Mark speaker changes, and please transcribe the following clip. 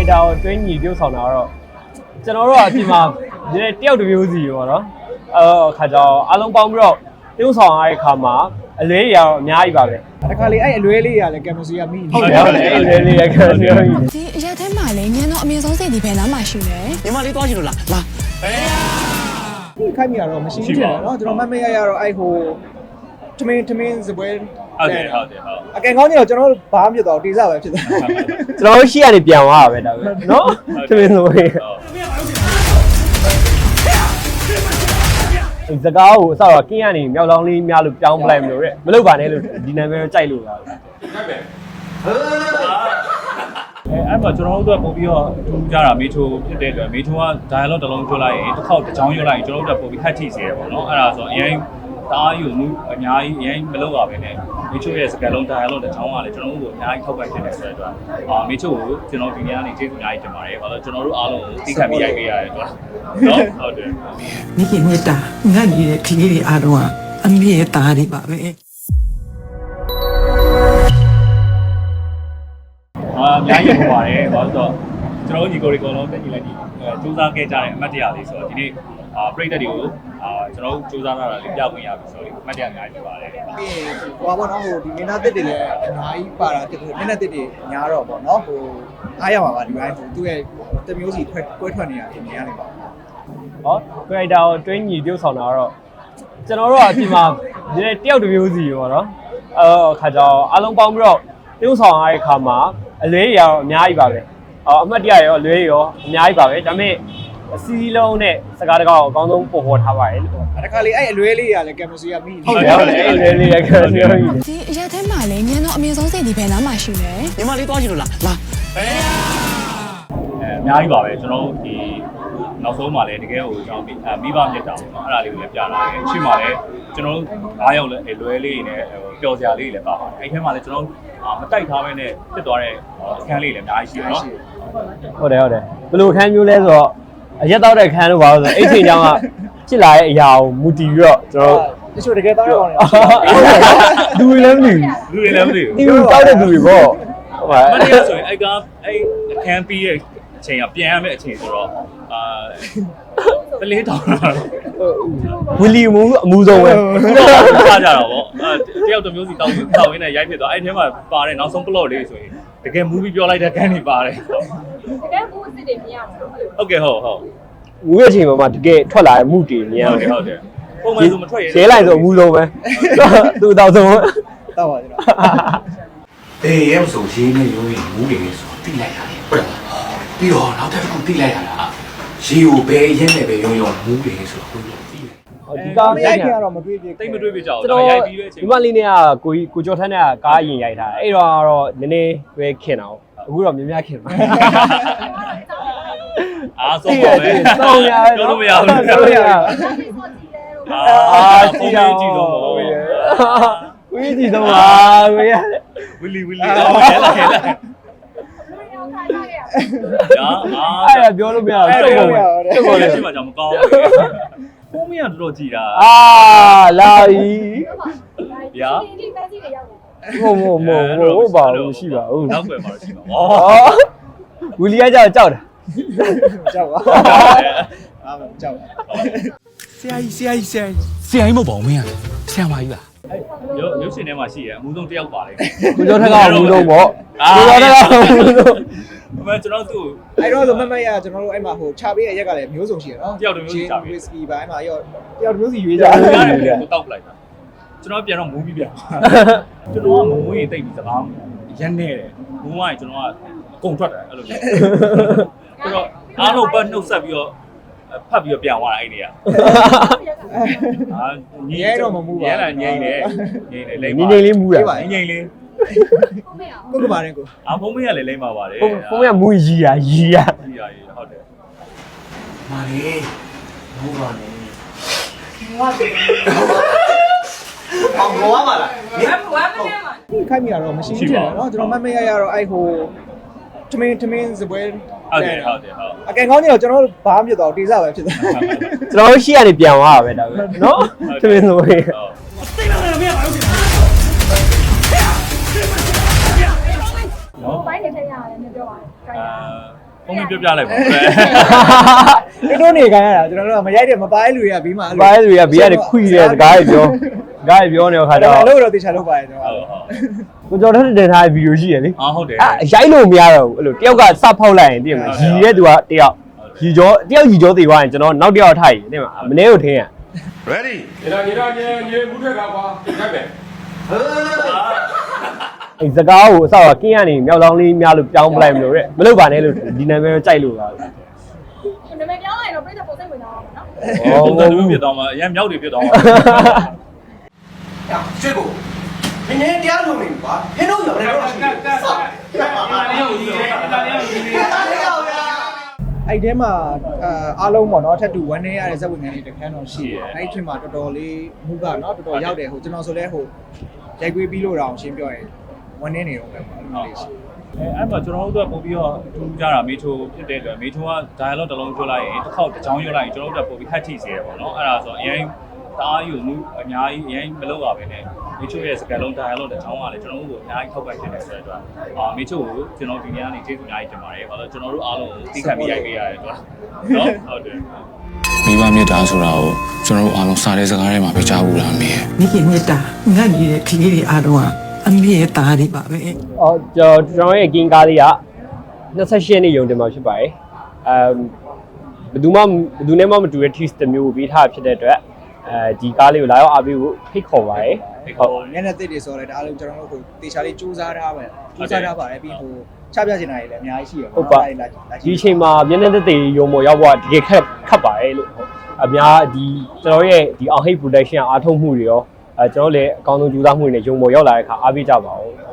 Speaker 1: character ကိုတွင်းညီပြုတ်ဆောင်တာတော့ကျွန်တော်တို့ကအပြင်မှာဒီတယောက်တစ်မျိုးစီပေါ့နော်ခါကြောင်အားလုံးပေါင်းပြီးတော့ပြုတ်ဆောင်ရတဲ့ခါမှာအလွဲတွေကတော့အများကြီးပါပဲ
Speaker 2: တခါလေအဲ့အလွဲလေးရလဲကင်မစီကမိနေ
Speaker 1: ဟုတ်တယ်အလွဲလေးရကင်မစီမိ
Speaker 3: ဒီအရက်ထဲမှာလည်းညံတော့အမြင့်ဆုံးစိတ်ဒီဘယ်နားမှာရှိလဲ
Speaker 4: ညီမလေးသွားချင်လို့လားလာ
Speaker 2: ဒီခိုက်မိရတော့မရှိဘူးနော်ကျွန်တော်မရတော့အဲ့ဟိုထမင်းစပွဲ
Speaker 5: ဟုတ်တယ်
Speaker 2: အကင်ကောင်းကြီးတော့ကျွန်တော်ဘာမှမဖြစ်တော့တေးစားပဲဖြစ်တယ်
Speaker 1: ကျွန်တော်ရှိရနေပြန်သွားတာပဲဒါပဲနော်ထမင်းစပွဲစကားကိုအစတော့ကင်းရနေမြောက်လောင်းလေးများလို့ပြောင်းပလိုက်မလို့တဲ့မလုပ်ပါနဲ့လို့ဒီနာမည်တော့ကြိုက်လို့ပါ
Speaker 5: အဲ့မှာကျွန်တော်တို့ကပို့ပြီးတော့ထူးကြတာမေထိုဖြစ်တဲ့အတွက်မေထိုက dialogue တစ်လုံးပြောလိုက်ရင်တစ်ခေါက်တစ်ချောင်းရွတ်လိုက်ရင်ကျွန်တော်တို့ကပို့ပြီးဟတ်ထိစေရပေါ့နော်အဲ့ဒါဆိုအရင်တားယူမှုအများကြီးအရင်မလုပ်ပါပဲနဲ့မေချိုရဲ့စကားလုံး dialogue တစ်ချောင်းကလည်းကျွန်တော်တို့ကိုအများကြီးထောက်ပံ့ဖြစ်နေဆိုတဲ့အတွက်မေချိုကိုကျွန်တော်ဒီနေ့ကနေကျေးဇူးအများကြီးတင်ပါတယ်ဘာလို့ကျွန်တော်တို့အားလုံးကိုသိခံပြီးရိုက်ပေးရတယ်တော့နော်ဟုတ်တယ်
Speaker 4: မိခင်မေတ္တာငတ်နေတဲ့ခလေးတွေအားလုံးကအမေရဲ့သားတွေပါပဲ
Speaker 5: အများကြီးပေါ်ပါတယ်ဘာလို့ဆိုတော့ကျွန်တော်ညီကိုတွေအကုန်လုံးတက်ညီလိုက်ဒီစူးစမ်းခဲ့ကြတဲ့အမှတ်တရလေးဆိုတော့ဒီနေ့ပရိသတ်တွေကိုကျွန်တော်စူးစမ်းလာတာလေးပြခွင့်ရပြီဆိုတော့အမှတ်တရအများကြီးပါတယ်
Speaker 2: ပြီးဟိုဘောနော်ဟိုဒီမင်းသားတစ်တွေလည်းအများကြီးပါတာတစ်တွေမင်းသားတစ်တွေများတော့ပေါ့နော်ဟိုအားရပါပါဒီပိုင်းဟိုသူ့ရဲ့တမျိုးစီကွဲထွက်နေတာအများနေပါ
Speaker 1: ဟော character ကိုတွင်းညီပြုတ်ဆောင်တာတော့ကျွန်တော်တို့ကအပြင်မှာဒီတယောက်တစ်မျိုးစီပေါ့နော်ခါကြောင်အားလုံးပေါင်းပြီးတော့ပြုတ်ဆောင်ရတဲ့ခါမှာအလွဲတွေကတော့အများကြီးပါပဲအမှတ်တရရောအလွဲရောအများကြီးပါပဲဒါပေမဲ့အစီအလုံးနဲ့စကားတကောက်အကောင်းဆုံးပေါ်ထားပါတယ်လို့
Speaker 2: တခါလေအဲ့အလွဲလေးရလဲကင်မစီကမိနေ
Speaker 1: ဟုတ်တယ်အလွဲလေးရကင်မစီမိနေ
Speaker 3: ဒီအရက်ထဲမှာလည်းညံတော့အမြင့်ဆုံးစိတ်ဒီဘယ်နားမှာရှိလဲ
Speaker 4: ညီမလေးသွားချင်လို့လားလာ
Speaker 5: အများကြီးပါပဲကျွန်တော်ဒီနောက်ဆုံးမှာလည်းတကယ်ကိုကျွန်တော်မိဘမြတ်တာပေါ့နော်အဲ့ဒါလေးကိုလည်းပြလာတယ်အချိန်မှာလည်းကျွန်တော်တို့9ယောက်လည်းလွဲလေးနဲ့ပျော်စရာလေးတွေလည်းပါပါတယ်အဲ့ထဲမှာလည်းကျွန်တော်မတိုက်ထားဘဲနဲ့ဖြစ်သွားတဲ့အခန်းလေးလည်းအများကြီးရှိတယ်နော်
Speaker 1: ဟုတ်တယ်ဘယ်လိုအခန်းမျိုးလဲဆိုတော့အရက်တော့တဲ့အခန်းလို့ပါလို့ဆိုအဲ့ချိန်ကြောင်းကဖြစ်လာတဲ့အရာကိုမူတည်ပြီးတော့ကျွန်တော်
Speaker 2: တချို့တကယ်တောင်းရအောင်
Speaker 1: လူတွေလည်းမသိဒီလိုတောက်တဲ့လူတွေပေါ့
Speaker 5: ဟုတ်ပါမနေ့ကဆိုရင်အဲ့အခန်းပြီးရဲ့အချိန်ကပြန်ရမယ့်အချိန်ဆိုတော့ပလေးတောင်းတာ
Speaker 1: ဝီလီမူအမှုဆုံးပဲ
Speaker 5: ထားကြတာပေါ့တယောက်တစ်မျိုးစီတောင်းရင်းနဲ့ရိုက်ဖြစ်သွားအဲ့ထဲမှာပါတဲ့နောက်ဆုံး plot လေးဆိုရင်တကယ် movie ပြောလိုက်တဲ့ကန်တွေပါတယ်
Speaker 6: တကယ်ဘူးအစ်စ်တွေမြင်ရမှာ
Speaker 5: ဟုတ်ကဲ့ဟုတ်
Speaker 1: မူရဲ့အချိန်မှာတကယ်ထွက်လာတဲ့မှုတွေမြင်ရတယ်
Speaker 5: ဟုတ်တယ်ပုံမှန်ဆိုမထွက်ရ
Speaker 1: ရဲလိုက်ဆိုအမှုဆုံးပဲသူ့တောက်ဆုံး
Speaker 2: တောက်ပါကျွန်တော်
Speaker 4: အေးရဲ့ဆိုရေးနေရိုးရင်မူးနေနေဆိုတိလိုက်ရတယ်ဟုတ်လားပြီးတော့နောက်တစ်ခုတိလိုက်ရတာရေကိုဘယ်ရဲနဲ့ပဲရုံမူးနေဆိုတော့ကိုသိတယ်
Speaker 1: ဒီကား
Speaker 2: ရိုက်ကြတော့မတွေ့ပြ
Speaker 5: တိတ်မတွေ့ပြကြအောင်ရိုက်ပြီးပဲအချိန်
Speaker 1: ဒီမလေးနဲ့ကကိုကျော်ထန်းနဲ့ကားရင်ရိုက်ထားအဲ့တော့ကတော့နည်းနည်းပဲခင်တာအခုတော့များခင်ပါ
Speaker 5: အားဆုံးပါပဲ
Speaker 1: စောင်းရ
Speaker 5: ပြောလို့မရဘူး
Speaker 1: ပြောလို့ရ
Speaker 5: ကြည့်တော့
Speaker 1: ကိုကြီးကြည့်တော့ပါကိုရ
Speaker 5: ဝီလီတော့ရဲလာ
Speaker 1: အဲ့ဒါပြောလို့မရဘူး
Speaker 5: တုတ်ကုန်လည်းရှိမှကြောင့်မကောင်းဘူးပုံမရတော်ကြည်တာ
Speaker 1: လာပြီ
Speaker 5: ဗျာ
Speaker 1: ဟုတ်ပါဘူးရှိပါဘူး
Speaker 5: နောက်ွယ်မှာရှိပါဩ
Speaker 1: ဝီလီကကြောက်တာ
Speaker 2: ကြောက်ပါကြောက်ပါ
Speaker 4: ဆရာကြီးမဟုတ်ပါဘူးမင်းကဆရာမကြီးပါ
Speaker 5: ရုပ်ရှင်ထဲမှာရှိတယ်အမှုဆုံးတယောက်ပါလေ
Speaker 1: ကိုကျော်ထက်ကအမှုဆုံးပေါ့ကိုကျော်ထက်ကအမှုဆုံး
Speaker 5: အမေကျွန်တော်သူ့
Speaker 2: အဲ့တော့ဆိုမမရကျွန်တော်တို့အဲ့မှာဟိုခြာပေးရဲ့ရက်ကလည်းမျိုးစုံရှိရနော်
Speaker 5: တယောက်တစ်မျိုးစီခြာပေး
Speaker 2: ဝစ်ကီပါအဲ့မှာရောတယောက်တစ်မျိုးစီရွေးကြ
Speaker 5: တယ်ကိုတောက်လိုက်တာကျွန်တော်ပြန်တော့မူးပြီးပြန်ကျွန်တော်ကမူးရင်တိတ်ပြီးစကားရမ်းနေတယ်မူးရင်ကျွန်တော်ကအကုန်ထွက်တယ်အဲ့လိုမျိုးဆိုတော့အားလုံးပတ်နှုတ်ဆက်ပြီးတော့ဖတ်ပြီးတော့ပြန်သွားတာအဲ့ဒီက
Speaker 2: ညီရဲတော့မမူးပါ
Speaker 5: ရဲလာငိမ့်နေလိမ့်
Speaker 1: ပါငိမ့်လေးမူးတာ
Speaker 5: ငိမ့်လေး
Speaker 2: ကိုကပါတယ်ကို
Speaker 5: ဖုံးမရလည်းလိမ့်ပါပါတယ်
Speaker 1: ဖုံးရမူးရီယာ
Speaker 5: ဟုတ်တယ်
Speaker 4: မာလေးမူးပါနဲ့
Speaker 2: ဘောပါလားဒီခိုက်မိရတော့မရှိဘူးเนาะကျွန်တော်မရတော့အဲ့ဟိုထမင်းစပွဲ
Speaker 5: ဟုတ်တယ်
Speaker 2: အကင်ကောင်းကြီးတော့ကျွန်တော်ဘာမှမဖြစ်တော့တေးစားပဲဖြစ်တယ်
Speaker 1: ကျွန်တော်ရှိရနေပြန်သွားတာပဲဒါပဲเนาะထမင်းစပွဲ
Speaker 6: သိတယ်မရပါဘူးနော်ဘိုင်းနေထည့်ရတယ်မပြောပါဘူး
Speaker 5: ဖုန်းပြပြလိုက်ပါ
Speaker 2: တို့နေခိုင်းရတာကျွန်တော်တို့ကမရိုက်တယ်မပိုင်းလူတွေကဘေးမှာ
Speaker 1: ဘာလဲဆိုရဘေးကနေခွိတဲ့စကားတွေပြောစကားတွေပြောနေတဲ့ခါကျတော့
Speaker 2: လို့တော့တေချာလုပ်ပါရဲ့ကျွန်တော်
Speaker 1: ကိုကျော်ထက်တင်ထားတဲ့ဗီဒီယိုရှိရလေ
Speaker 5: ဟုတ်တယ်
Speaker 1: ရိုက်လို့မရတော့ဘူးအဲ့လိုတယောက်ကစဖောက်လိုက်ရင်သိရမလားရီတဲ့သူကတယောက်ရီကျော်တယောက်ရီကျော်သေးသွားရင်ကျွန်တော်နောက်တယောက်ထိုက်သိရမလားမနေ့ကိုထင်းရ
Speaker 4: ready
Speaker 7: ရေဘူးထက်ကကွာတက်ပဲ
Speaker 1: အဲ့စကားကိုအဆောက်ကင်းရနေမြောက်လောင်းလေးများလို့ပြောင်းပလိုက်မလို့တဲ့မလုပ်ပါနဲ့လို့ဒီနာမည်ကိုကြိုက်လို့ပါ
Speaker 6: နာမည်ပြောင်းလိုက်တော့ပြည့်တဲ့ပုံစံဝင်တော့မှာနော်
Speaker 5: ပုံစံမျိုးပြတော့မှအရင်မြောက်တွေပြတော့မှ
Speaker 4: ရွှေကိုနင်းနေတရားလုံးနေကွာဟင်းတို့ရောလည်းတော့ရှိတယ်ဆောက်
Speaker 2: အဲ့ထဲမှာအားလုံးပေါ့နော်ထပ်တူ1နေရတဲ့ဇက်ဝင်ငန်းလေးတစ်ခန်းတော့ရှိတယ်အဲ့ထင်မှာတော်တော်လေးမှုကနော်တော်တော်ရောက်တယ်ဟိုကျွန်တော်ဆိုလဲဟိုရိုက်ကွေးပြီးလို့တော့ရှင်းပြောရင်1နေနေတော့ပဲပေါ့အဲ့လိုလေးရှိ
Speaker 5: အဲ့မှာကျွန်တော်တို့ကပုံပြီးတော့ထူးကြတာမေချိုဖြစ်တဲ့အတွက်မေချိုက dialogue တစ်လုံးပြောလိုက်ရင်တစ်ခေါက်တစ်ချောင်းရွတ်လိုက်ရင်ကျွန်တော်တို့ကပုံပြီးခက်ထိစေရပေါ့နော်အဲ့ဒါဆိုအရင်တအားယူမှုအများကြီးအရင်မလုပ်ပါပဲနဲ့မေချိုရဲ့စကားလုံး dialogue တစ်ချောင်းကလည်းကျွန်တော်တို့ကိုအများကြီးထောက်ပံ့ဖြစ်နေဆိုတဲ့အတွက်မေချိုကိုကျွန်တော်ဒီနေ့ကနေကျေးဇူးအများကြီးတင်ပါတယ်ဘာလို့ကျွန်တော်တို့အားလုံးကိုသိခံပြီးရိုက်ပေးရတယ်တော့နော်ဟုတ်တယ်
Speaker 8: မိဘမြတ်တာဆိုတာကိုကျွန်တော်တို့အားလုံးစားတဲ့စကားထဲမှာပဲကြားဘူးလားမင်း
Speaker 9: မိခင်မြတ်တာငတ်နေတဲ့ကလေးတွေအားလုံးကအမေရဲ့သားတွေပါပဲ
Speaker 1: အော်ကျွန်တော်ရဲ့ကင်းကားလေးက28နှစ်ရုံတင်မှာဖြစ်ပါတယ်ဘယ်သူနဲ့မှမတူတဲ့ tease တစ်မျိုးပေးထားဖြစ်တဲ့အတွက်ဒီကားလေးကိုလာရောက်အားပေးဖို့ဖိတ်ခေါ်ပါတယ်ဟုတ်
Speaker 2: မျက်နှာသစ်တွေဆိုတော့လည်းဒါအားလုံးကျွန်တော်တို့ဟိုတေချာလေးစူးစမ်းထားပဲစူးစမ်းထားပါတယ်ပြီးဟိုချပြချင်တာတွေလည်းအများကြီးရှိရပါ
Speaker 1: ဟုတ်ပါဒီအချိန်မှာမျက်နှာသက်သေရုံပေါ်ရောက်ဖို့တကယ်ခက်ပါတယ်လို့အများဒီကျွန်တော်ရဲ့ဒီအောင်ဟိတ် production အားထုတ်မှုတွေရောကျွန်တော်လည်းအကောင်းဆုံးကြိုးစားမှုတွေနဲ့ရုံပေါ်ရောက်လာတဲ့အခါအားပေးကြပါဦး